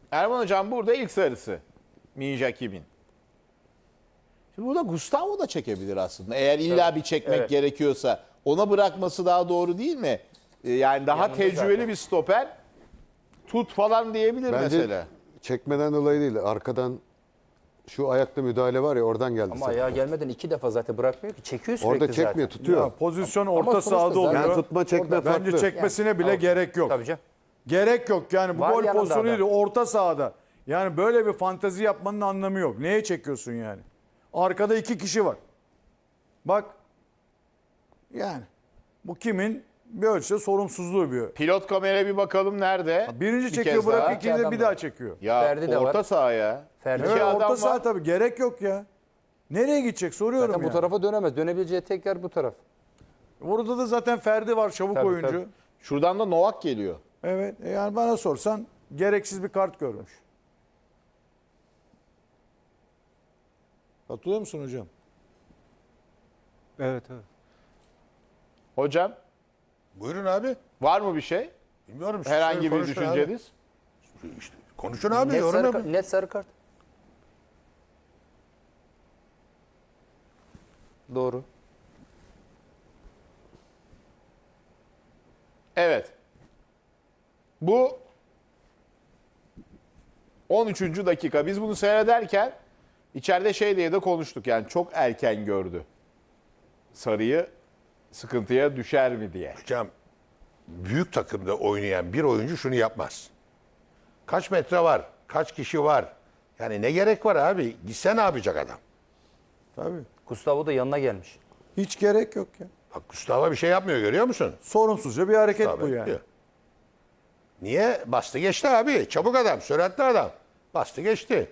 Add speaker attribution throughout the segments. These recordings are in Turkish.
Speaker 1: Erman Hocam burada ilk sarısı. Minjakim'in. Şimdi burada Gustavo da çekebilir aslında. Eğer illa bir çekmek gerekiyorsa ona bırakması daha doğru değil mi? Yani daha
Speaker 2: Yanında
Speaker 1: tecrübeli
Speaker 2: zaten.
Speaker 1: bir stoper tut falan diyebilir
Speaker 3: Bence
Speaker 1: mesela.
Speaker 3: çekmeden dolayı değil. Arkadan şu ayakta müdahale var ya oradan geldi.
Speaker 2: Ama
Speaker 3: zaten.
Speaker 2: ayağa gelmeden 2 defa zaten bırakmıyor ki. Çekiyor sürekli
Speaker 3: Orada çekmiyor,
Speaker 2: zaten.
Speaker 3: tutuyor.
Speaker 4: Ya, pozisyon
Speaker 2: Ama
Speaker 4: orta
Speaker 2: sonuçta
Speaker 4: sahada oluyor.
Speaker 2: zaten-
Speaker 3: Yani tutma çekme farklı.
Speaker 4: Bence çekmesine bile
Speaker 2: Yani,
Speaker 4: gerek yok.
Speaker 2: Tabii canım.
Speaker 4: Gerek yok yani bu
Speaker 2: Var
Speaker 4: gol
Speaker 2: yanında
Speaker 4: pozisyonu
Speaker 2: adam.
Speaker 4: değil orta sahada. Yani böyle bir fantezi yapmanın anlamı yok. Neye çekiyorsun yani? Arkada 2 kişi var. Bak. Yani bu kimin bir ölçüde sorumsuzluğu bir.
Speaker 1: Pilot kameraya bir bakalım nerede?
Speaker 4: Birinci
Speaker 1: Bir
Speaker 4: çekiyor
Speaker 1: kez
Speaker 4: bırak
Speaker 1: daha.
Speaker 4: ikinci de
Speaker 2: adam
Speaker 4: bir
Speaker 2: var.
Speaker 4: daha çekiyor.
Speaker 1: Ya
Speaker 2: Ferdi de
Speaker 1: orta
Speaker 2: var.
Speaker 1: saha ya.
Speaker 2: Ferdi.
Speaker 1: İki
Speaker 4: Evet,
Speaker 1: adam
Speaker 4: orta saha
Speaker 1: var.
Speaker 4: tabii gerek yok ya. Nereye gidecek soruyorum
Speaker 2: Zaten
Speaker 4: ya.
Speaker 2: bu tarafa dönemez. Dönebileceği tek yer bu taraf.
Speaker 4: Orada da zaten Ferdi var çabuk
Speaker 2: Tabii,
Speaker 4: oyuncu.
Speaker 2: tabii.
Speaker 1: Şuradan da Novak geliyor.
Speaker 4: Evet yani bana sorsan gereksiz bir kart görmüş. Katılıyor musun hocam?
Speaker 5: Evet, evet.
Speaker 1: Hocam
Speaker 6: Buyurun abi.
Speaker 1: var mı bir şey?
Speaker 6: Bilmiyorum. siz
Speaker 1: Herhangi bir
Speaker 6: konuşun abi.
Speaker 1: düşünceniz?
Speaker 6: İşte, konuşun abi.
Speaker 2: Net
Speaker 6: Yorum
Speaker 2: sarı,
Speaker 6: yapın.
Speaker 2: net sarı kart. Doğru.
Speaker 1: Evet. Bu 13. dakika. Biz bunu seyrederken içeride şey diye de konuştuk. Yani çok erken gördü. Sarıyı sıkıntıya düşer mi diye.
Speaker 6: Hocam büyük takımda oynayan bir oyuncu şunu yapmaz. Kaç metre var? Kaç kişi var? Yani ne gerek var abi? Gitse ne yapacak adam?
Speaker 4: Tabii.
Speaker 2: Gustavo da yanına gelmiş.
Speaker 4: Hiç gerek yok ya.
Speaker 6: Bak Gustavo bir şey yapmıyor görüyor musun?
Speaker 4: Sorumsuzca bir hareket
Speaker 6: Gustavo
Speaker 4: bu yani.
Speaker 6: yapıyor. Niye? Bastı geçti abi. Çabuk adam, süratli adam. Bastı geçti.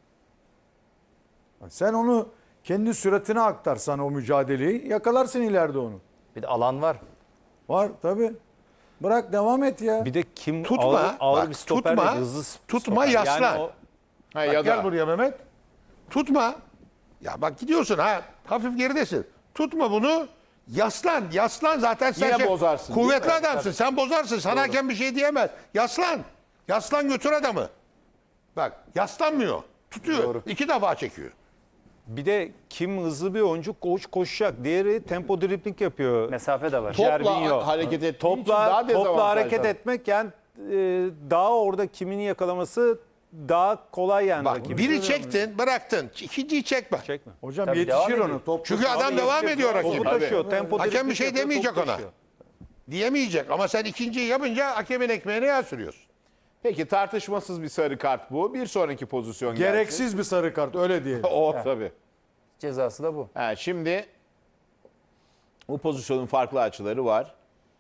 Speaker 4: Sen onu kendi süratine aktarsan o mücadeleyi yakalarsın ileride onu.
Speaker 2: Bir de alan var.
Speaker 4: Var tabii. Bırak devam et ya.
Speaker 5: Bir de kim
Speaker 6: Tutma,
Speaker 5: ağır
Speaker 6: bak,
Speaker 5: bir stoper
Speaker 6: tutma,
Speaker 5: değil, hızlı
Speaker 6: tutma,
Speaker 5: stoper.
Speaker 6: yaslan.
Speaker 5: Yani o,
Speaker 1: Ha,
Speaker 6: Bak,
Speaker 1: ya
Speaker 6: gel
Speaker 1: da
Speaker 6: buraya Mehmet. Tutma. Ya bak gidiyorsun ha. Hafif geridesin. Tutma bunu. Yaslan. Yaslan zaten sen
Speaker 1: Yine bozarsın, değil
Speaker 6: kuvvetli
Speaker 1: mi?
Speaker 6: adamsın. Sen bozarsın. Sana hakem bir şey diyemez. Yaslan. Yaslan götür adamı. Bak yaslanmıyor. Tutuyor. 2 defa çekiyor.
Speaker 5: bir de kim hızlı bir oyuncu koşacak. Diğeri tempo dribling yapıyor.
Speaker 2: Mesafe de var.
Speaker 5: Cervinho.
Speaker 1: hareket ettiği için daha
Speaker 5: Topla
Speaker 1: dezavantajlı.
Speaker 5: hareket etmek yani daha orada kimini yakalaması daha kolay yani.
Speaker 6: Bak
Speaker 5: rakibin.
Speaker 6: biri çektin bıraktın. İkinciyi çekme.
Speaker 5: Çekme.
Speaker 4: Hocam
Speaker 2: Tabii devam
Speaker 4: yetişir
Speaker 2: ediyor.
Speaker 4: onu. Top
Speaker 6: Çünkü adam devam ediyor rakip.
Speaker 5: Topu taşıyor. Tempo
Speaker 6: Hakem
Speaker 5: dribling
Speaker 6: bir şey
Speaker 5: yapıyor,
Speaker 6: demeyecek
Speaker 5: topu
Speaker 6: ona.
Speaker 5: taşıyor.
Speaker 6: Diyemeyecek ama sen ikinciyi yapınca hakemin ekmeğine yağ sürüyorsun.
Speaker 1: Peki tartışmasız bir sarı kart bu. Bir sonraki pozisyon gelsin.
Speaker 4: gereksiz bir sarı kart öyle diyelim.
Speaker 1: O tabii.
Speaker 2: Cezası da bu.
Speaker 1: Ha, şimdi bu pozisyonun farklı açıları var.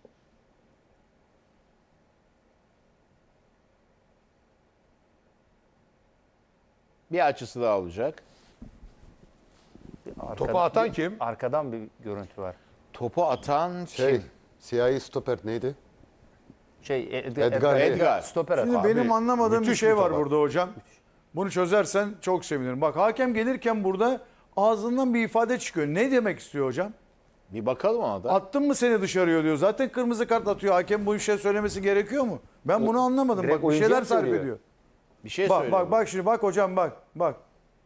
Speaker 1: Bir açısı daha olacak.
Speaker 6: Topu atan kim?
Speaker 2: Arkadan bir görüntü var.
Speaker 1: Topu atan
Speaker 3: Şey,
Speaker 1: kim?
Speaker 3: siyahi stoper neydi?
Speaker 1: Edgar.
Speaker 2: Stoper
Speaker 4: Şimdi
Speaker 2: atıyor.
Speaker 4: benim anlamadığım bir
Speaker 6: müthiş
Speaker 4: şey
Speaker 6: bir
Speaker 4: var
Speaker 6: tabak.
Speaker 4: burada hocam. Bunu çözersen çok sevinirim. Bak hakem gelirken burada ağzından bir ifade çıkıyor. Ne demek istiyor hocam?
Speaker 1: Bir bakalım ona da.
Speaker 4: Attın mı seni dışarıya diyor. Zaten kırmızı kart atıyor. Hakem bu işe söylemesi gerekiyor mu? Ben bunu anlamadım.
Speaker 2: direkt
Speaker 4: Bak bir
Speaker 2: oyuncuya
Speaker 4: şeyler
Speaker 2: mı
Speaker 4: sarf
Speaker 2: söylüyor?
Speaker 4: ediyor.
Speaker 1: Bir şey
Speaker 4: Bak
Speaker 1: söyleyeyim.
Speaker 4: bak bak şimdi bak hocam bak bak.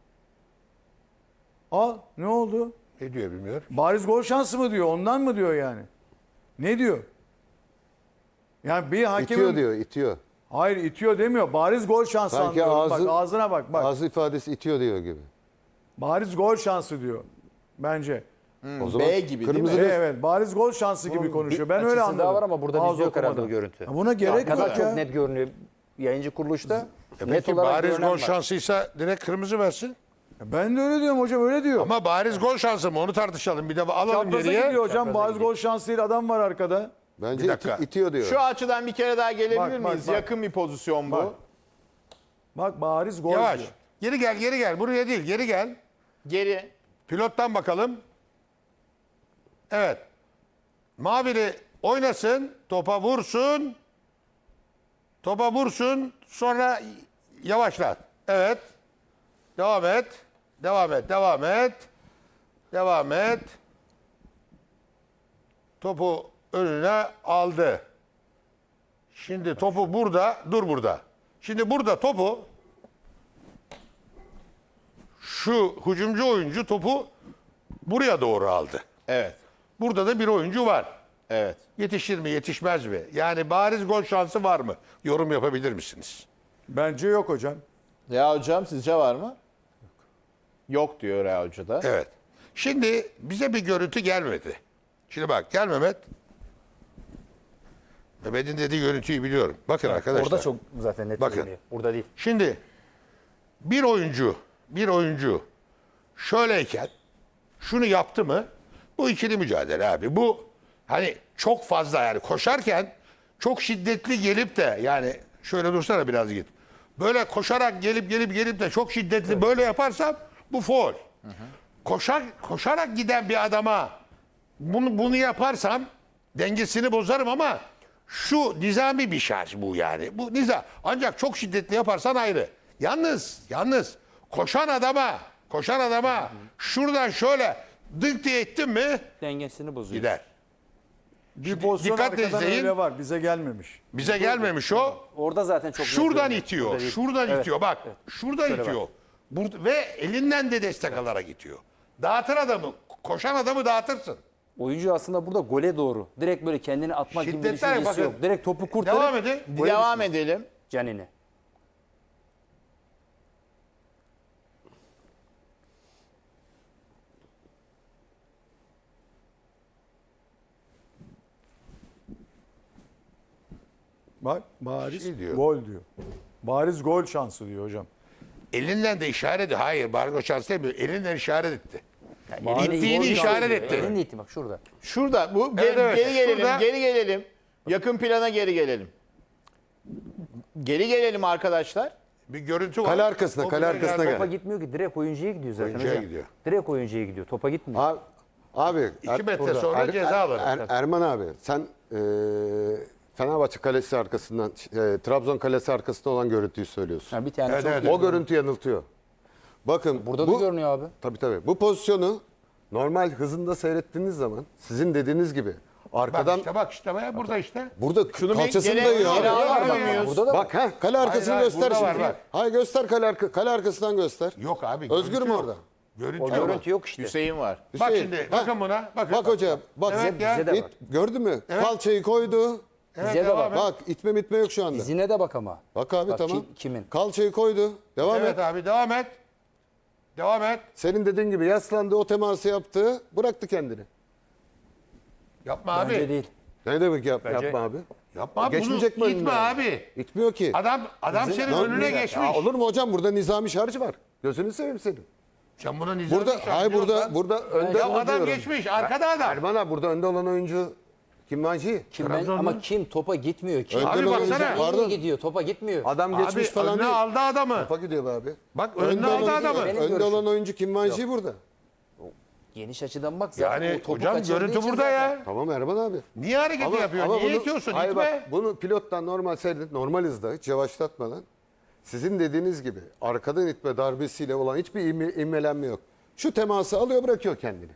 Speaker 4: Al ne oldu?
Speaker 6: Ne diyor bilmiyorum.
Speaker 4: Bariz gol şansı mı diyor? Ondan mı diyor yani? Ne diyor? Yani bir hakemin...
Speaker 3: İtiyor diyor, itiyor.
Speaker 4: Hayır itiyor demiyor. Bariz gol şansı
Speaker 3: Sanki
Speaker 4: anlıyorum.
Speaker 3: ağzı-
Speaker 4: Bak ağzına bak bak.
Speaker 3: Ağzı ifadesi itiyor diyor gibi.
Speaker 4: Bariz gol şansı diyor. Bence.
Speaker 3: O zaman
Speaker 1: B gibi değil
Speaker 3: kırmızı
Speaker 1: mi?
Speaker 3: da-
Speaker 4: Evet bariz gol şansı gibi konuşuyor. Ben öyle
Speaker 2: Açısı
Speaker 4: anladım.
Speaker 2: daha var ama burada
Speaker 4: Ağız
Speaker 2: bizde yok herhalde
Speaker 4: okumadan.
Speaker 2: bu görüntü.
Speaker 4: Ya buna gerek
Speaker 2: Arkadan
Speaker 4: yok
Speaker 2: çok
Speaker 4: ya.
Speaker 2: net görünüyor. Yayıncı kuruluşta net
Speaker 6: Peki
Speaker 2: olarak
Speaker 6: bariz
Speaker 2: görünen
Speaker 6: gol
Speaker 2: var.
Speaker 6: şansıysa direkt kırmızı versin.
Speaker 4: Ben de öyle diyorum hocam öyle diyor.
Speaker 6: Ama bariz gol şansı mı onu tartışalım. Bir de alalım
Speaker 4: Çapraza
Speaker 6: geriye.
Speaker 4: gidiyor hocam.
Speaker 2: Çapraza
Speaker 4: Bariz gol şansı değil adam var arkada.
Speaker 3: Bence
Speaker 6: Bir dakika.
Speaker 3: itiyor diyor.
Speaker 1: Şu açıdan bir kere daha gelebilir
Speaker 4: Bak, bak,
Speaker 1: miyiz?
Speaker 4: bak.
Speaker 1: Yakın bir pozisyon bu.
Speaker 4: Bak. Bak bariz gol
Speaker 6: Yavaş.
Speaker 4: diyor.
Speaker 6: Geri gel geri gel. Buraya değil geri gel.
Speaker 1: Geri.
Speaker 6: Pilottan bakalım. Evet. Mavili oynasın. Topa vursun. Topa vursun. Sonra yavaşlat. Evet. Devam et. Devam et. Devam et. Devam et. Topu önüne aldı. Şimdi topu burada. Dur burada. Şimdi burada topu şu hücumcu oyuncu topu buraya doğru aldı.
Speaker 1: Evet.
Speaker 6: Burada da bir oyuncu var.
Speaker 1: Evet.
Speaker 6: Yetişir mi, yetişmez mi? Yani bariz gol şansı var mı? Yorum yapabilir misiniz?
Speaker 4: Bence yok hocam.
Speaker 1: Ya hocam sizce var mı? Yok diyor Rea Hoca da.
Speaker 6: Evet. Şimdi bize bir görüntü gelmedi. Şimdi bak gel Mehmet. Mehmet'in dediği görüntüyü biliyorum. Bakın arkadaşlar.
Speaker 2: Orada çok zaten net
Speaker 6: Bakın.
Speaker 2: görünüyor. Burada değil.
Speaker 6: Şimdi bir oyuncu şöyleyken şunu yaptı mı? Bu ikili mücadele abi. Bu hani çok fazla yani koşarken çok şiddetli gelip de yani şöyle dursana biraz git. Böyle koşarak gelip de çok şiddetli böyle yaparsam bu faul. Koşarak giden bir adama bunu yaparsam dengesini bozarım ama şu nizami bir şarj bu yani. Bu nizam. Ancak çok şiddetli yaparsan ayrı. Yalnız koşan adama şuradan şöyle dınk diye ettin mi
Speaker 2: Dengesini bozuyor.
Speaker 6: gider.
Speaker 4: Bir pozisyon
Speaker 6: dikkatle
Speaker 4: arkadan
Speaker 6: izleyin.
Speaker 4: öyle var. Bize gelmemiş.
Speaker 6: Bize gelmemiş o.
Speaker 2: Orada zaten çok net
Speaker 6: Şuradan
Speaker 2: görünüyor.
Speaker 6: itiyor.
Speaker 2: Burada değil.
Speaker 6: Şuradan
Speaker 2: Evet.
Speaker 6: itiyor. Bak. Şuradan itiyor. Ve elinden de destek alarak itiyor. Dağıtır adamı. Koşan adamı dağıtırsın.
Speaker 2: Oyuncu aslında burada gole doğru. Direkt böyle kendini atmak gibi bir
Speaker 6: Şiddetler
Speaker 2: düşüncesi
Speaker 6: bakın.
Speaker 2: yok. Direkt topu kurtarıp
Speaker 6: Devam edin.
Speaker 1: Devam edelim.
Speaker 2: Canini.
Speaker 4: Bak bariz
Speaker 6: Şey diyor.
Speaker 4: gol diyor. Bariz gol şansı diyor hocam.
Speaker 6: Elinden de işaret ediyor. Hayır. Bargo şans demiyor. Elinden işaret etti.
Speaker 2: Elini
Speaker 6: İttiğini
Speaker 2: gol
Speaker 6: işaret
Speaker 2: şansı
Speaker 6: etti.
Speaker 2: diyor. Elini itti bak şurada.
Speaker 1: Şurada bu
Speaker 6: Evet, evet.
Speaker 1: geri gelelim.
Speaker 6: Şurada-
Speaker 1: Geri gelelim. Yakın plana geri gelelim. Geri gelelim arkadaşlar.
Speaker 6: Bir görüntü var.
Speaker 3: Kale arkasına,
Speaker 6: O
Speaker 3: kale
Speaker 6: kadar
Speaker 3: arkasına
Speaker 6: geldi.
Speaker 3: gel.
Speaker 2: Topa gitmiyor ki. Direkt oyuncuya gidiyor zaten
Speaker 6: Oyuncuya
Speaker 2: hocam.
Speaker 6: gidiyor.
Speaker 2: Direkt oyuncuya gidiyor. Topa gitmiyor.
Speaker 3: Abi
Speaker 6: 2 metre sonra ceza alır.
Speaker 3: Erman abi sen Fenerbahçe kalesi arkasından Trabzon kalesi arkasında olan görüntüyü söylüyorsun.
Speaker 2: Ha, bir tane
Speaker 6: Evet,
Speaker 2: çok
Speaker 6: evet.
Speaker 3: O görüntü yanıltıyor. Bakın
Speaker 2: Burada
Speaker 3: bu,
Speaker 2: da görünüyor abi.
Speaker 3: Tabii. Bu pozisyonu normal hızında seyrettiğiniz zaman sizin dediğiniz gibi
Speaker 6: Bak
Speaker 3: arkadan
Speaker 6: işte burada işte.
Speaker 3: burada
Speaker 1: Şunu bir
Speaker 3: kalçasını
Speaker 1: geri
Speaker 3: dayıyor.
Speaker 1: geri
Speaker 3: abi.
Speaker 1: alamıyor muyuz?
Speaker 2: Burada da
Speaker 3: Bak kale arkasını
Speaker 6: Hayır,
Speaker 3: göster
Speaker 6: burada var,
Speaker 3: şimdi.
Speaker 6: bak.
Speaker 3: Hayır göster kale arkasından göster.
Speaker 6: Yok abi.
Speaker 3: Özgür
Speaker 6: görüntü
Speaker 3: mü
Speaker 6: yok.
Speaker 3: orada?
Speaker 6: Görüntü
Speaker 2: o
Speaker 6: yok.
Speaker 2: görüntü yok işte.
Speaker 1: Hüseyin var.
Speaker 6: Bak
Speaker 3: Hüseyin,
Speaker 6: şimdi.
Speaker 3: ha,
Speaker 6: Bakın buna. Bakın.
Speaker 3: Bak hocam bak.
Speaker 6: Evet ya.
Speaker 2: Bize de
Speaker 3: İt,
Speaker 2: bak.
Speaker 3: gördün mü?
Speaker 6: Evet.
Speaker 3: Kalçayı koydu.
Speaker 6: Evet,
Speaker 2: Bize de
Speaker 6: devam
Speaker 2: bak.
Speaker 6: et.
Speaker 3: Bak itme mitme yok şu anda.
Speaker 2: Dizine de bak ama.
Speaker 3: Bak abi
Speaker 2: Bak,
Speaker 3: tamam.
Speaker 2: kimin?
Speaker 3: Kalçayı koydu. Devam
Speaker 6: Evet
Speaker 3: et.
Speaker 6: abi devam et. Devam et.
Speaker 3: Senin dediğin gibi yaslandı o teması yaptı. Bıraktı kendini.
Speaker 6: Yapma
Speaker 2: Bence
Speaker 6: abi.
Speaker 2: değil.
Speaker 3: Ne demek
Speaker 2: Bence-
Speaker 3: yapma abi?
Speaker 6: Yapma abi.
Speaker 3: Geçmeyecek mi
Speaker 6: Bunu
Speaker 3: önüne?
Speaker 6: itme abi.
Speaker 3: İtmiyor ki.
Speaker 6: Adam senin
Speaker 3: Lan
Speaker 6: önüne
Speaker 3: ya,
Speaker 6: geçmiş.
Speaker 3: olur mu hocam burada nizami şarj var. Gözünü seveyim senin.
Speaker 6: Sen buna nizami
Speaker 3: Burada
Speaker 6: şart
Speaker 3: hayır
Speaker 6: diyorsun lan.
Speaker 3: burada önde
Speaker 6: Ya
Speaker 3: onu
Speaker 6: adam
Speaker 3: diyorum.
Speaker 6: geçmiş. Arkada adam.
Speaker 3: Erman abi burada önde olan oyuncu Kim Vanci?
Speaker 2: Ama kim topa gitmiyor ki?
Speaker 3: Önden
Speaker 6: Abi
Speaker 3: olan
Speaker 6: baksana.
Speaker 3: oyuncu-
Speaker 2: Pardon.
Speaker 3: Pardon.
Speaker 2: gidiyor topa gitmiyor.
Speaker 3: Adam
Speaker 6: Abi
Speaker 3: geçmiş falan
Speaker 6: önüne
Speaker 3: değil.
Speaker 6: aldı adamı.
Speaker 3: Topa gidiyor be abi.
Speaker 6: Bak önüne aldı
Speaker 3: olan-
Speaker 6: adamı.
Speaker 2: Benim
Speaker 3: Önde
Speaker 2: görüşüm.
Speaker 3: olan oyuncu Kim Vanci burada.
Speaker 2: Geniş açıdan bak zaten
Speaker 6: Yani
Speaker 2: o topu
Speaker 6: hocam
Speaker 2: kaçırdığı
Speaker 6: görüntü
Speaker 2: için
Speaker 6: burada
Speaker 2: zaten.
Speaker 6: ya.
Speaker 3: Tamam Erman abi.
Speaker 6: Niye hareketi yapıyor? Niye
Speaker 3: bunu-
Speaker 6: itiyorsun?
Speaker 3: hayır
Speaker 6: İtme.
Speaker 3: bak, bunu pilottan normal seyredip normal hızda hiç yavaşlatmadan sizin dediğiniz gibi arkadan itme darbesiyle olan hiçbir ivmelenme yok. Şu teması alıyor bırakıyor kendini.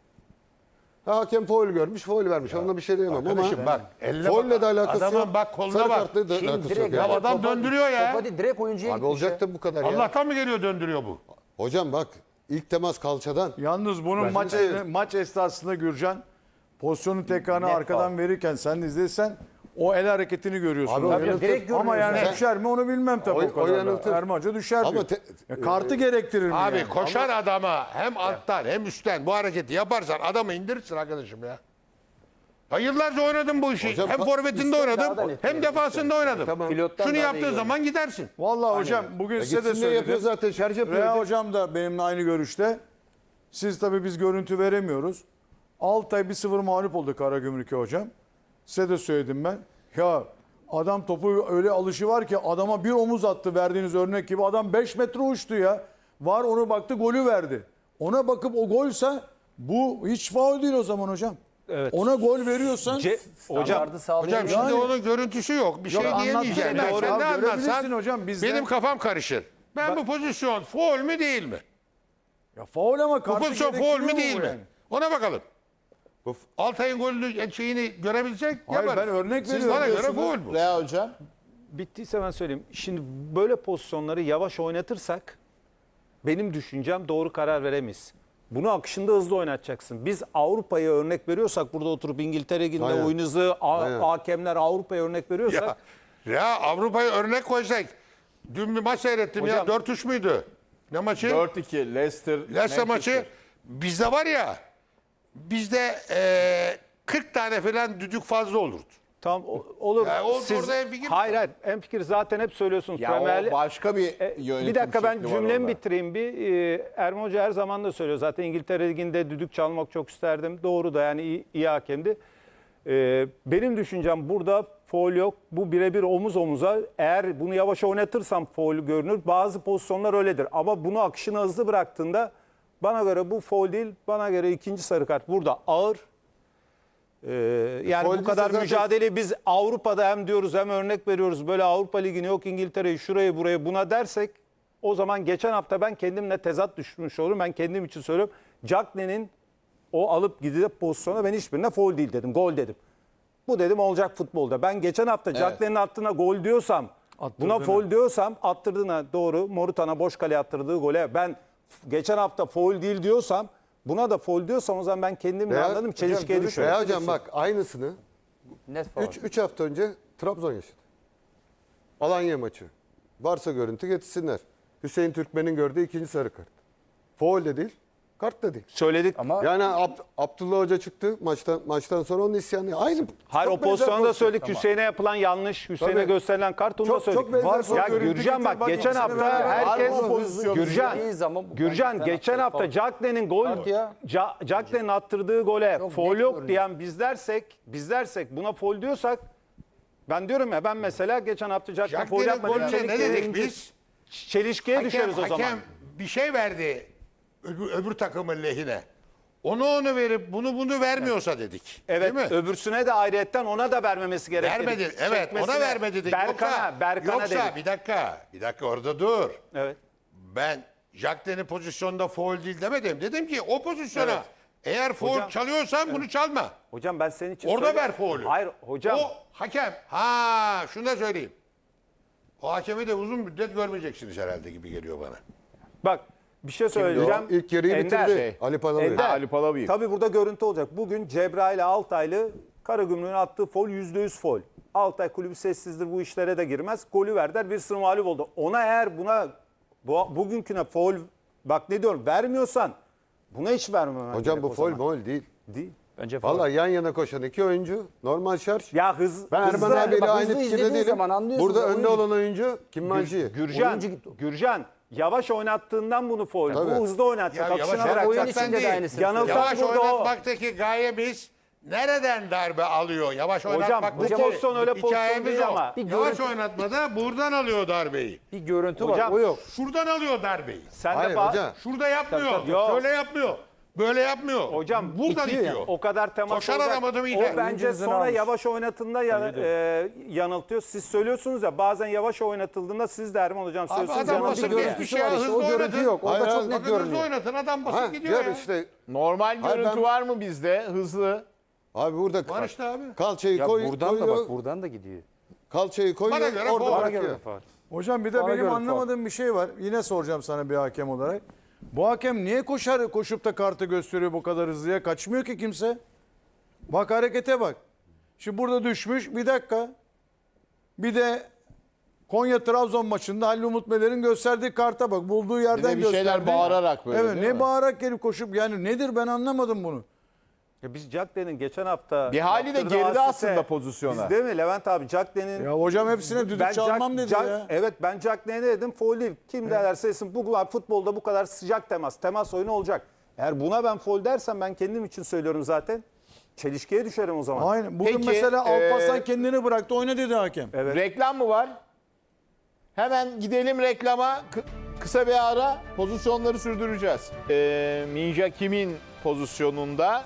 Speaker 3: Hakem faul görmüş, faul vermiş. Onunla bir şey diyemem ama
Speaker 6: Arkadaşım bak. Elle
Speaker 3: faulle
Speaker 6: bak.
Speaker 3: de alakası
Speaker 6: Adamın
Speaker 3: yok.
Speaker 6: bak koluna
Speaker 3: Sarı
Speaker 6: bak.
Speaker 3: kartla da
Speaker 2: Kim
Speaker 3: alakası yok.
Speaker 2: direkt
Speaker 6: Ya
Speaker 3: yani.
Speaker 6: adam döndürüyor ya.
Speaker 2: Topa değil direkt oyuncuya
Speaker 3: Abi
Speaker 2: gitmiş ya.
Speaker 3: olacak da bu kadar ya.
Speaker 6: Allah'tan mı geliyor döndürüyor bu?
Speaker 3: Hocam bak ilk temas kalçadan.
Speaker 4: Yalnız bunun maç esnasında Gürcan pozisyonu tekrarını
Speaker 2: Net
Speaker 4: arkadan
Speaker 2: faul.
Speaker 4: verirken sen izlesen o el hareketini görüyorsun.
Speaker 3: Abi o
Speaker 4: Tabii.
Speaker 3: yanıltır.
Speaker 2: direkt
Speaker 4: Ama
Speaker 2: görüyoruz
Speaker 4: yani
Speaker 2: ya.
Speaker 4: düşer mi onu bilmem tabii
Speaker 3: O-
Speaker 4: o kadar.
Speaker 3: o yanıltır.
Speaker 4: Erman Hoca düşer
Speaker 3: Ama
Speaker 4: diyor. Kartı gerektirir mi
Speaker 6: Abi
Speaker 4: yani?
Speaker 6: koşar adama hem alttan hem üstten bu hareketi yaparsan adamı indirirsin arkadaşım ya. Ben yıllarca oynadım bu işi.
Speaker 3: Hocam,
Speaker 6: hem forvetinde
Speaker 2: daha da
Speaker 6: oynadım
Speaker 2: net
Speaker 6: hem
Speaker 2: yani.
Speaker 6: defansında oynadım.
Speaker 3: Tamam.
Speaker 2: Pilottan
Speaker 6: Şunu
Speaker 2: daha da
Speaker 6: yaptığı
Speaker 2: iyi
Speaker 6: zaman gidersin.
Speaker 4: Vallahi hocam bugün size de
Speaker 3: Gitsin ne yapıyor
Speaker 4: söyledim.
Speaker 3: zaten şarj yapıyor.
Speaker 4: Rea hocam da benimle aynı görüşte. Siz tabii biz görüntü veremiyoruz. Altay 1-0 mağlup oldu Karagümrük'e hocam. Size de söyledim ben. Ya adam topu öyle alışı var ki adama bir omuz attı verdiğiniz örnek gibi. Adam 5 metre uçtu ya. Var onu baktı golü verdi. Ona bakıp o golse bu hiç faul değil o zaman hocam.
Speaker 5: Evet.
Speaker 4: Ona gol veriyorsan
Speaker 5: Hocam
Speaker 2: Standardı sağlayamıyor.
Speaker 6: Hocam şimdi
Speaker 4: Yani-
Speaker 6: onun görüntüsü yok. Bir
Speaker 4: Yok,
Speaker 6: şey diyemeyeceğim.
Speaker 4: anlat-
Speaker 6: Ben
Speaker 4: Doğru.
Speaker 6: sen ne
Speaker 4: Ya, görebilirsin
Speaker 6: anlatsan
Speaker 4: hocam, bizde-
Speaker 6: benim kafam karışır. Ben bu pozisyon faul mü değil mi?
Speaker 4: ya faul ama
Speaker 6: Bu
Speaker 4: kartı
Speaker 6: pozisyon faul
Speaker 4: gerektiriyor
Speaker 6: mü
Speaker 4: mu
Speaker 6: değil
Speaker 4: bu
Speaker 6: mi?
Speaker 4: yani?
Speaker 6: Ona bakalım.
Speaker 3: Of.
Speaker 6: Altay'ın golünü şeyini görebilsek
Speaker 4: Hayır,
Speaker 6: yaparız.
Speaker 4: ben örnek
Speaker 6: Siz
Speaker 4: veriyorum
Speaker 6: bana göre
Speaker 4: diyorsunuz.
Speaker 6: faul bu.
Speaker 1: Rea hocam.
Speaker 5: Bittiyse ben söyleyeyim. Şimdi böyle pozisyonları yavaş oynatırsak benim düşüncem doğru karar veremeyiz. Bunu akışında hızlı oynatacaksın. Biz Avrupa'ya örnek veriyorsak burada oturup İngiltere Ligi'nde
Speaker 3: Aynen.
Speaker 5: oyun hızı,
Speaker 3: Aynen.
Speaker 5: hakemler Avrupa'ya örnek veriyorsak
Speaker 6: Ya Avrupa'ya örnek koysak. Dün bir maç seyrettim
Speaker 5: Hocam-
Speaker 6: ya. 4-3 müydü? Ne maçı?
Speaker 1: 4-2 Leicester.
Speaker 6: Leicester maçı. Bizde var ya. Bizde 40 tane falan düdük fazla olurdu.
Speaker 5: tam olur.
Speaker 6: Ya orada hemfikir
Speaker 5: hayır hayır hemfikir zaten hep söylüyorsunuz.
Speaker 1: Ya
Speaker 5: Premier
Speaker 1: o
Speaker 5: Lig-
Speaker 1: başka bir yönetim
Speaker 5: Bir dakika ben
Speaker 1: şekli var
Speaker 5: cümlemi
Speaker 1: orada.
Speaker 5: bitireyim bir. Erman Hoca her zaman da söylüyor. Zaten İngiltere Ligi'nde düdük çalmak çok isterdim. Doğru da yani iyi hakemdi. Benim düşüncem burada faul yok. Bu birebir omuz omuza. Eğer bunu yavaş oynatırsam faul görünür. Bazı pozisyonlar öyledir. Ama bunu akışına hızlı bıraktığında bana göre bu faul değil. Bana göre ikinci sarı kart burada ağır. Yani
Speaker 3: faul
Speaker 5: bu kadar
Speaker 3: değilse zaten-
Speaker 5: mücadeleyi biz Avrupa'da hem diyoruz hem örnek veriyoruz. Böyle Avrupa Ligi'ni yok İngiltere'yi şurayı burayı buna dersek o zaman geçen hafta ben kendimle tezat düşmüş olurum. Ben kendim için söylüyorum. Cagney'in o alıp gidip pozisyona ben hiçbirine faul değil dedim. Gol dedim. Bu dedim olacak futbolda. Ben geçen hafta Cagney'in attığına gol diyorsam, buna
Speaker 4: Attırdığına.
Speaker 5: faul diyorsam attırdığına doğru Morutan'a boş kaleye attırdığı gole ben geçen hafta faul değil diyorsam buna da faul diyorsam o zaman ben kendimle anladım çelişkiye düşüyorum.
Speaker 3: Veya hocam bak aynısını
Speaker 2: Net faul.
Speaker 3: 3 hafta önce Trabzon yaşadı. Alanya maçı. Varsa görüntü getirsinler. Hüseyin Türkmen'in gördüğü ikinci sarı kart. Faul de değil, kart da değil.
Speaker 5: Söyledik.
Speaker 2: Ama
Speaker 3: Yani Abdullah Hoca çıktı maçtan sonra onun isyanı. Aynı.
Speaker 5: Hayır
Speaker 3: çok
Speaker 5: o
Speaker 3: benzer
Speaker 5: pozisyonda
Speaker 3: pozisyon.
Speaker 5: söyledik. Hüseyin'e yapılan yanlış, Hüseyin'e
Speaker 3: Tabii.
Speaker 5: gösterilen kart onu da
Speaker 3: Çok
Speaker 5: söyledik.
Speaker 3: benzer
Speaker 5: Ya
Speaker 3: pozisyon.
Speaker 5: Gürcan bak
Speaker 4: Bak,
Speaker 5: geçen
Speaker 4: ikisini
Speaker 5: hafta
Speaker 4: beraber
Speaker 5: herkes
Speaker 1: var mı pozisyonu?
Speaker 5: Gürcan
Speaker 2: İyi zaman bu
Speaker 5: Gürcan
Speaker 2: penaltı,
Speaker 5: geçen hafta
Speaker 2: faul.
Speaker 5: Cagney'in gol
Speaker 2: Kart ya.
Speaker 5: Cagney'in attırdığı gole
Speaker 2: Çok
Speaker 5: faul
Speaker 2: net
Speaker 5: yok
Speaker 2: görünüyor.
Speaker 5: diyen biz dersek buna faul diyorsak ben diyorum ya ben mesela geçen hafta Cagney faul
Speaker 6: Jack'lerin
Speaker 5: yapmadı.
Speaker 6: golüne ne dedik biz?
Speaker 5: Çelişkiye düşeriz o zaman.
Speaker 6: Hakem bir şey verdi öbür takımın lehine. Onu verip bunu vermiyorsa dedik.
Speaker 5: Evet
Speaker 6: Değil mi?
Speaker 5: öbürsüne de ayrıyetten ona da vermemesi gerekli.
Speaker 6: Vermedi. Evet ona
Speaker 5: Çekmesine,
Speaker 6: vermedi dedik.
Speaker 5: Berkan'a
Speaker 6: Yoksa
Speaker 5: dedik.
Speaker 6: bir dakika orada dur.
Speaker 5: Evet.
Speaker 6: Ben Jack'lerin pozisyonda faul değil demedim. Dedim ki o pozisyona
Speaker 5: Evet.
Speaker 6: eğer faul
Speaker 5: Hocam,
Speaker 6: çalıyorsan bunu çalma.
Speaker 5: Hocam ben senin için
Speaker 6: Orada
Speaker 5: söylüyorum.
Speaker 6: ver faulü.
Speaker 5: Hayır hocam.
Speaker 6: O hakem. Şunu da söyleyeyim. O hakemi de uzun müddet görmeyeceksiniz herhalde gibi geliyor bana.
Speaker 5: Bak bir şey söyleyeceğim.
Speaker 3: İlk yarıyı
Speaker 5: Ender,
Speaker 3: bitirdi. Ali Palabıyık.
Speaker 5: Ender,
Speaker 1: Ali Palabıyık.
Speaker 5: Tabii burada görüntü olacak. Bugün Cebrail Altaylı Karagümrük'ün attığı faul %100 faul. Altay kulübü sessizdir bu işlere de girmez. Golü verdiler 1-0 mağlup oldu. Ona eğer bugünküne faul bak ne diyorum vermiyorsan buna hiç vermemen
Speaker 3: Hocam
Speaker 5: gerek
Speaker 3: bu
Speaker 5: o
Speaker 3: faul
Speaker 5: zaman.
Speaker 3: faul değil.
Speaker 5: Değil.
Speaker 2: Bence faul.
Speaker 3: Vallahi yan yana koşan iki oyuncu normal şarj.
Speaker 5: Ya
Speaker 3: Ben Erman
Speaker 5: hızlı-
Speaker 3: abiyle
Speaker 2: bak,
Speaker 3: aynı
Speaker 2: hızlı
Speaker 3: fikirde
Speaker 2: izlediğin
Speaker 3: değilim.
Speaker 2: zaman anlıyorsun
Speaker 3: Burada
Speaker 2: ya,
Speaker 3: önde
Speaker 2: oyuncu.
Speaker 3: olan oyuncu Kim Mancı.
Speaker 5: Gürcan yavaş oynattığından bunu faul.
Speaker 3: Tabii.
Speaker 5: Bu hızlı oynatacak.
Speaker 6: Ya
Speaker 5: akışına
Speaker 6: yavaş
Speaker 5: bırakacak.
Speaker 2: oyun
Speaker 6: oynatmaktan
Speaker 2: içinde de
Speaker 6: değil.
Speaker 2: aynısını
Speaker 5: Yanıltan
Speaker 6: Yavaş
Speaker 5: burada o.
Speaker 6: oynatmaktaki gayemiz nereden darbe alıyor? Yavaş oynatmak
Speaker 5: bu pozisyon öyle pozisyon
Speaker 6: hikayemiz
Speaker 5: değil
Speaker 6: o.
Speaker 5: ama.
Speaker 6: Yavaş oynatmada buradan alıyor darbeyi.
Speaker 2: Bir görüntü
Speaker 5: Hocam,
Speaker 2: var o yok.
Speaker 6: Şuradan alıyor darbeyi.
Speaker 5: Sen
Speaker 3: Hayır
Speaker 5: de
Speaker 3: hocam.
Speaker 6: Şurada yapmıyor.
Speaker 5: Tabii, tabii. Yok.
Speaker 6: Şöyle yapmıyor. Böyle yapmıyor.
Speaker 5: Hocam
Speaker 6: buradan
Speaker 5: itiyor ya.
Speaker 6: itiyor.
Speaker 5: O kadar temas
Speaker 6: Koşar
Speaker 5: olacak.
Speaker 6: aramadı mı
Speaker 5: O
Speaker 6: iter.
Speaker 5: bence
Speaker 4: Oyuncunun
Speaker 5: sonra
Speaker 4: almış.
Speaker 5: yavaş oynatında yanıltıyor. Siz söylüyorsunuz ya bazen yavaş oynatıldığında siz de Erman hocam
Speaker 6: Abi
Speaker 5: söylüyorsunuz.
Speaker 6: adam
Speaker 5: yanıltıyor.
Speaker 6: basıp
Speaker 2: bir
Speaker 6: geçmiş
Speaker 2: görüntüsü
Speaker 6: ya.
Speaker 2: var işte,
Speaker 6: Hızlı
Speaker 2: o görüntü
Speaker 6: oynatın.
Speaker 2: yok. Orada
Speaker 3: Hayır,
Speaker 2: çok
Speaker 3: hayır,
Speaker 2: net
Speaker 6: Bakın hızlı
Speaker 2: görünüyor.
Speaker 6: oynatın. Adam basıp
Speaker 3: Ha,
Speaker 6: gidiyor
Speaker 3: gör
Speaker 6: ya.
Speaker 3: işte
Speaker 1: Normal
Speaker 3: Hayır,
Speaker 1: görüntü
Speaker 3: ben-
Speaker 1: var mı bizde? Hızlı.
Speaker 3: abi burada
Speaker 6: Var işte abi.
Speaker 3: kalçayı
Speaker 2: Ya
Speaker 3: koyuyor.
Speaker 2: buradan da bak buradan da gidiyor.
Speaker 3: Kalçayı koyuyor.
Speaker 6: Bana göre
Speaker 3: orada
Speaker 6: faul.
Speaker 2: Bana
Speaker 3: bırakıyor.
Speaker 2: göre faul.
Speaker 4: Hocam bir de
Speaker 2: Bana
Speaker 4: benim
Speaker 2: göre
Speaker 4: anlamadığım bir şey var. Yine soracağım sana bir hakem olarak. Bu hakem niye koşup da kartı gösteriyor bu kadar hızlıya? Kaçmıyor ki kimse. Bak harekete bak. Şimdi burada düşmüş. Bir dakika. Bir de Konya Trabzon maçında Halil Umut Meler'in gösterdiği karta bak. Bulduğu yerden
Speaker 1: Bir de bir şeyler
Speaker 4: gösterdi.
Speaker 1: bağırarak böyle,
Speaker 4: Evet
Speaker 1: değil
Speaker 4: ne
Speaker 1: mi?
Speaker 4: bağırarak gelip koşup yani nedir ben anlamadım bunu.
Speaker 5: Ya biz Cagney'in geçen hafta
Speaker 1: Bir hali de
Speaker 5: yaptırdığı
Speaker 1: geride
Speaker 5: asiste-
Speaker 1: aslında pozisyona.
Speaker 5: Biz değil mi Levent abi Cagney'in
Speaker 4: Ya hocam hepsine düdük çalmam dedi ya.
Speaker 5: Evet ben Cagney'e ne dedim? Faul değil. Kim derse desin bu futbolda bu kadar sıcak temas oyunu olacak. Eğer buna ben faul dersem ben kendim için söylüyorum zaten. Çelişkiye düşerim o zaman.
Speaker 4: Aynen. Bugün
Speaker 1: Peki,
Speaker 4: mesela Alparslan kendini bıraktı oyna dedi hakem.
Speaker 1: Reklam mı var? Hemen gidelim reklama. Kısa bir ara pozisyonları sürdüreceğiz. Minja Kim'in pozisyonunda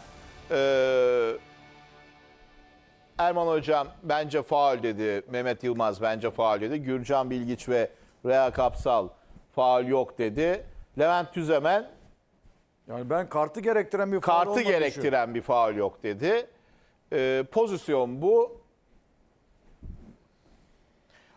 Speaker 1: Erman Hocam bence faul dedi. Mehmet Yılmaz bence faul dedi. Gürcan Bilgiç ve Rea Kapsal faul yok dedi. Levent Tüzemen
Speaker 4: Yani ben kartı gerektiren bir faul
Speaker 1: kartı
Speaker 4: olmadığını
Speaker 1: gerektiren bir faul yok dedi. Pozisyon bu.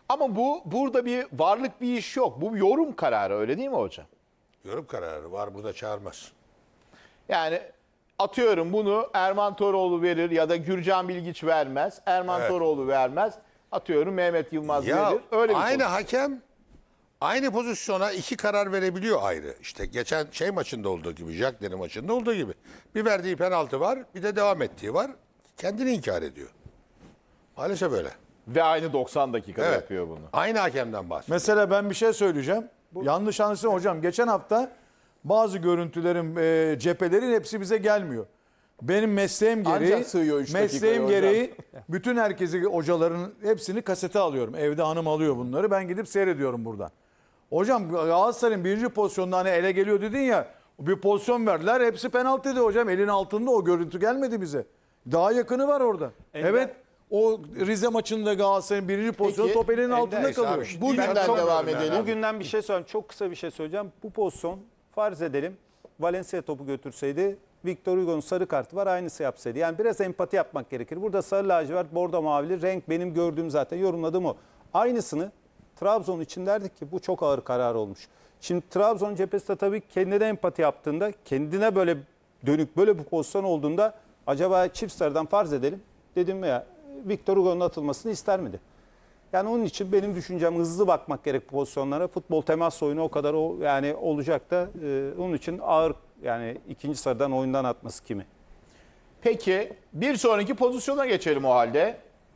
Speaker 1: Ama burada bir varlık bir iş yok. Bu bir yorum kararı, öyle değil mi hocam?
Speaker 6: Yorum kararı var, burada çağırmaz.
Speaker 1: Yani atıyorum bunu Erman Toroğlu verir ya da Gürcan Bilgiç vermez. Erman
Speaker 6: Evet.
Speaker 1: Toroğlu vermez. Atıyorum Mehmet Yılmaz
Speaker 6: Ya
Speaker 1: verir. Öyle bir
Speaker 6: aynı
Speaker 1: pozisyon.
Speaker 6: hakem aynı pozisyona iki karar verebiliyor ayrı. İşte geçen şey maçında olduğu gibi, Jackler'in maçında olduğu gibi. Bir verdiği penaltı var, bir de devam ettiği var. Kendini inkar ediyor. Maalesef öyle.
Speaker 1: Ve aynı 90 dakikada
Speaker 6: Evet.
Speaker 1: yapıyor bunu.
Speaker 6: Aynı hakemden bahsediyor.
Speaker 4: Mesela ben bir şey söyleyeceğim. Yanlış anlaşılsın hocam. Geçen hafta bazı görüntülerin, cephelerin hepsi bize gelmiyor. Benim mesleğim gereği,
Speaker 1: Ancak sığıyor 3 dakikaya
Speaker 4: mesleğim
Speaker 1: hocam.
Speaker 4: gereği bütün herkesi, hocaların hepsini kasete alıyorum. Evde hanım alıyor bunları. Ben gidip seyrediyorum buradan. Hocam Galatasaray'ın birinci pozisyonda hani ele geliyor dedin ya, bir pozisyon verdiler. Hepsi penaltıydı hocam. Elin altında o görüntü gelmedi bize. Daha yakını var orada. Evet. O Rize maçında Galatasaray'ın birinci pozisyonu top elinin altında
Speaker 6: neyse abi,
Speaker 4: kalıyor.
Speaker 6: işte
Speaker 1: Bugünden
Speaker 6: çok-
Speaker 1: devam
Speaker 6: yani.
Speaker 1: edelim.
Speaker 5: Bugünden bir şey söyleyeyim. Çok kısa bir şey söyleyeceğim. Bu pozisyon farz edelim Valencia topu götürseydi, Victor Hugo'nun sarı kartı var, aynısı yapsaydı. Yani biraz empati yapmak gerekir. Burada sarı lacivert, bordo mavili renk benim gördüğüm, zaten yorumladığım o. Aynısını Trabzon için derdik ki bu çok ağır karar olmuş. Şimdi Trabzon cephesi de tabii kendine empati yaptığında, kendine böyle dönük böyle bir pozisyon olduğunda acaba çift sarıdan farz edelim. Dedim ya, Victor Hugo'nun atılmasını ister miydi? Yani onun için benim düşüncem hızlı bakmak gerek bu pozisyonlara. Futbol temas oyunu o kadar yani olacak da onun için ağır, yani ikinci sarıdan oyundan atması kimi?
Speaker 1: Peki bir sonraki pozisyona geçelim o halde.